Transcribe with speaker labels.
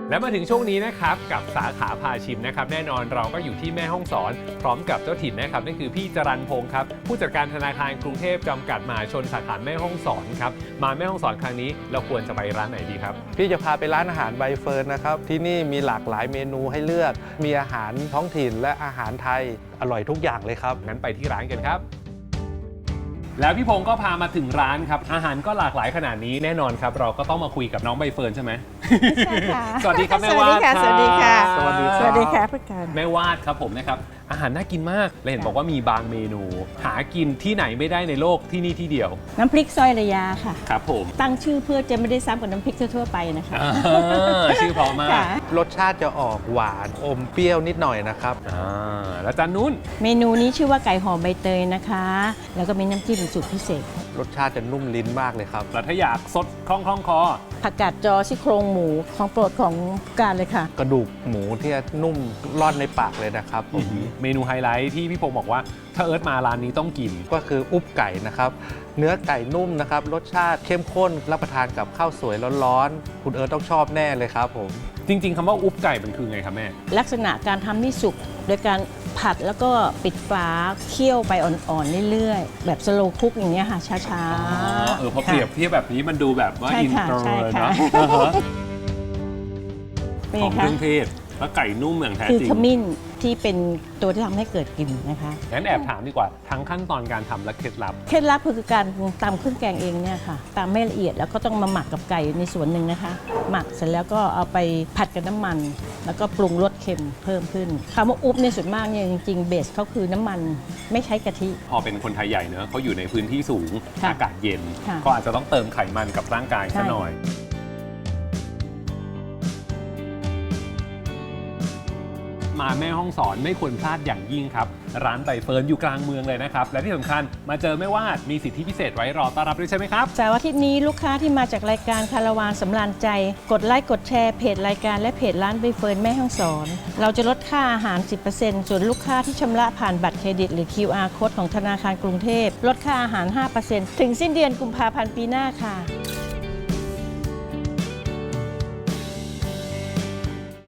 Speaker 1: และมาถึงช่วงนี้นะครับกับสาขาพาชิมนะครับแน่นอนเราก็อยู่ที่แม่ฮ่องสอนพร้อมกับเจ้าถิ่นนะครับนั่นคือพี่จรัญพงศ์ครับผู้จัดการธนาคารกรุงเทพจำกัดมหาชนสาขาแม่ฮ่องสอนครับมาแม่ฮ่องสอนครั้งนี้เราควรจะไปร้านไหนดีครับ
Speaker 2: พี่จะพาไปร้านอาหารใบเฟิร์นนะครับที่นี่มีหลากหลายเมนูให้เลือกมีอาหารท้องถิ่นและอาหารไทยอร่อยทุกอย่างเลยครับ
Speaker 1: งั้นไปที่ร้านกันครับแล้วพี่พงศ์ก็พามาถึงร้านครับอาหารก็หลากหลายขนาดนี้แน่นอนครับเราก็ต้องมาคุยกับน้องใบเฟิร์นใช่ไหม
Speaker 3: ใช่ค่ะ
Speaker 1: สวัสดีครับแม่วาด
Speaker 3: สวัสดีค่ะ
Speaker 1: สวัสดี
Speaker 3: สวัสดีค่ะพี่การ
Speaker 1: แม่วาดครับผมนะครับอาหารน่ากินมากและเห็นบอกว่ามีบางเมนู หากินที่ไหนไม่ได้ในโลกที่นี่ที่เดียว
Speaker 3: น้ำพริกซอยระยาค่ะ
Speaker 1: ครับผม
Speaker 3: ตั้งชื่อเพื่อจะไม่ได้ซ้ำกับน้ำพริกทั่วๆไปนะคะ
Speaker 1: ชื่อเพราะมาก
Speaker 3: ค่ะ
Speaker 2: รสชาติจะออกหวานอมเปรี้ยวนิดหน่อยนะครับ
Speaker 1: แล้วจานนู้น
Speaker 3: เมนูนี้ชื่อว่าไก่หอมใบเตยนะคะ แล้วก็มีน้ำจิ้มสูตรพิเศษ
Speaker 2: รสชาติจะนุ่มลิ้นมากเลยครับ
Speaker 1: แล้วถ้าอยากสดคล่องคอ
Speaker 3: ผักกาดจอซี่โครงหมูของโปรดของการเลยค่ะ
Speaker 2: กระดูกหมูที่นุ่มร่อนในปากเลยนะครับผม
Speaker 1: เมนูไฮไลท์ที่พี่พงศ์บอกว่าถ้าเอิร์ธมาร้านนี้ต้องกิน
Speaker 2: ก็คืออุบไก่นะครับเนื้อไก่นุ่มนะครับรสชาติเข้มข้นรับประทานกับข้าวสวยร้อนๆคุณเอิร์ธต้องชอบแน่เลยครับผม
Speaker 1: จริงๆคำว่าอุบไก่มันคือไงครับแม่
Speaker 3: ลักษณะการทำนี่สุกโดยการผัดแล้วก็ปิดฝาเคี่ยวไปอ่อนๆเรื่อยๆแบบสโลว์คุกอย่างเงี้ยค่ะช้าๆ
Speaker 1: พอเปรียบเทียบแบบนี้มันดูแบบว่า
Speaker 3: ใช่
Speaker 1: อิน
Speaker 3: ค่ะ
Speaker 1: เตอร์
Speaker 3: ใช่
Speaker 1: เลย
Speaker 3: ค่ะ
Speaker 1: เนาะ
Speaker 3: เป็น
Speaker 1: ห
Speaker 3: ไง
Speaker 1: อมเค
Speaker 3: คะ
Speaker 1: รื่องเทศแล้วไก่นุ่มอย่างแท้
Speaker 3: คือ
Speaker 1: จริง
Speaker 3: ขมิ้นที่เป็นตัวที่ทำให้เกิดกลิ่นนะคะ
Speaker 1: งั้นแอบถามดีกว่าทั้งขั้นตอนการทำและเคล็ดลับ
Speaker 3: เคล็ดลับคือการตำเครื่องแกงเองเนี่ยค่ะตำไม่ละเอียดแล้วก็ต้องมาหมักกับไก่ในส่วนหนึ่งนะคะ หมักเสร็จแล้วก็เอาไปผัดกับน้ำมัน แล้วก็ปรุงรสเค็มเพิ่มขึ้นคำว่าอุ๊บในส่วนมากเนี่ยจริงๆเบสเขาคือน้ำมันไม่ใช้กะทิ
Speaker 1: พอเป็นคนไทยใหญ่เนอะเขาอยู่ในพื้นที่สูง
Speaker 3: ค่ะ
Speaker 1: อากาศเย็น
Speaker 3: ค่ะ
Speaker 1: ก็อาจจะต้องเติมไขมันกับร่างกาย
Speaker 3: ใช่
Speaker 1: ซะหน่อยมาแม่ห้องสอนไม่ควรพลาดอย่างยิ่งครับ ร้านใบเฟิร์นอยู่กลางเมืองเลยนะครับ และที่สำคัญมาเจอแม่วาดมีสิทธิพิเศษไว้รอต้อนรับด้วยใช่ไหมครับ
Speaker 3: เสาร์อาทิตย์นี้ลูกค้าที่มาจากรายการคาราวานสำราญใจ กดไลค์กดแชร์เพจรายการและเพจร้านใบเฟิร์นแม่ฮ่องสอน เราจะลดค่าอาหาร 10% ส่วนลูกค้าที่ชำระผ่านบัตรเครดิตหรือ QR Code ของธนาคารกรุงเทพลดค่าอาหาร 5% ถึงสิ้นเดือนกุมภาพันธ์ปีหน้าค่ะ